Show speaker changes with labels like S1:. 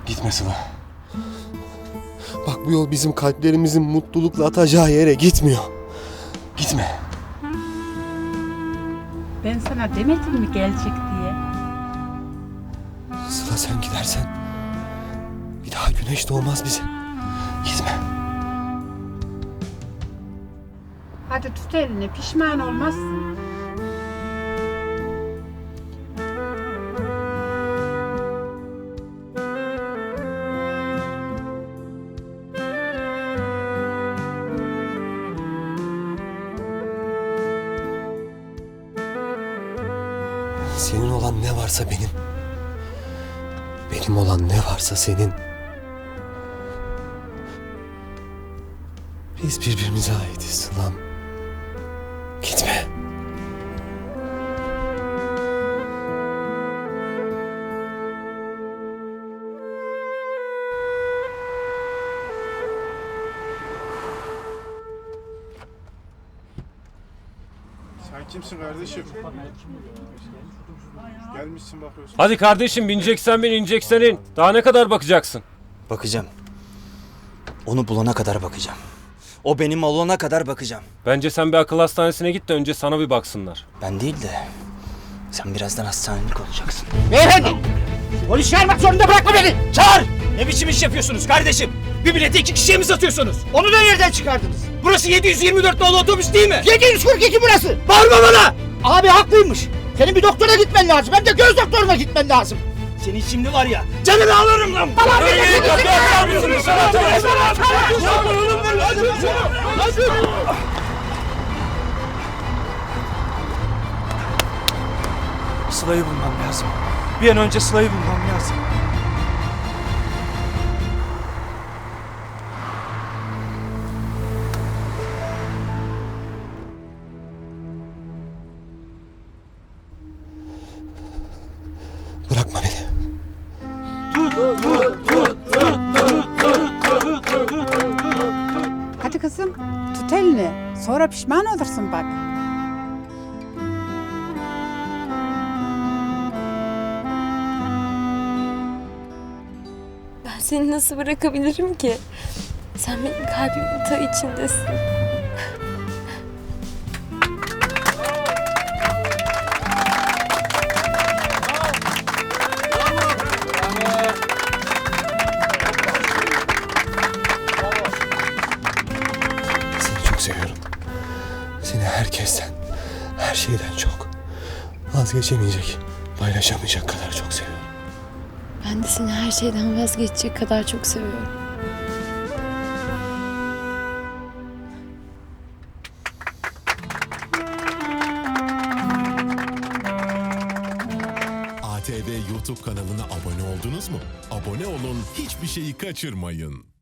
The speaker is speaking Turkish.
S1: Gitme Sıla. Bak bu yol bizim kalplerimizin mutlulukla atacağı yere gitmiyor. Gitme.
S2: Ben sana demedim mi gelecek diye?
S1: Sıla sen gidersen bir daha güneş doğmaz bize. Gitme.
S2: Hadi tut elini, pişman olmazsın.
S1: Senin olan ne varsa benim. Benim olan ne varsa senin. Biz birbirimize aitiz Sılam. Gitme.
S3: Sen kimsin kardeşim? Gelmişsin bakıyorsun.
S4: Hadi kardeşim bineceksen bin, ineceksen in. Daha ne kadar bakacaksın?
S5: Bakacağım. Onu bulana kadar bakacağım. O benim olana kadar bakacağım.
S4: Bence sen bir akıl hastanesine git de önce sana bir baksınlar.
S5: Ben değil de sen birazdan hastanelik olacaksın.
S6: Beyefendi! Polis çağırmak zorunda bırakma beni!
S5: Çağır! Ne biçim iş yapıyorsunuz kardeşim? Bir bileti 2 kişiye mi satıyorsunuz?
S6: Onu da nereden çıkardınız?
S5: Burası 724 nolu otobüs değil mi?
S6: 742 burası!
S5: Bağırma bana!
S6: Abi haklıymış. Senin bir doktora gitmen lazım. Hem de göz doktoruna gitmen lazım.
S5: Senin şimdi var ya, canını alırım lan!
S7: Sıla'yı bulmam lazım. Bir an önce Sıla'yı bulmam lazım.
S1: Bırakma beni.
S2: Hadi kızım, tut elini. Sonra pişman olursun bak.
S8: Ben seni nasıl bırakabilirim ki? Sen benim kalbimin ta içindesin.
S1: Seni çok seviyorum. Seni herkesten, her şeyden çok. Vazgeçemeyecek, paylaşamayacak kadar çok seviyorum.
S8: Ben de seni her şeyden vazgeçecek kadar çok seviyorum.
S9: ATV YouTube kanalına abone oldunuz mu? Abone olun, hiçbir şeyi kaçırmayın.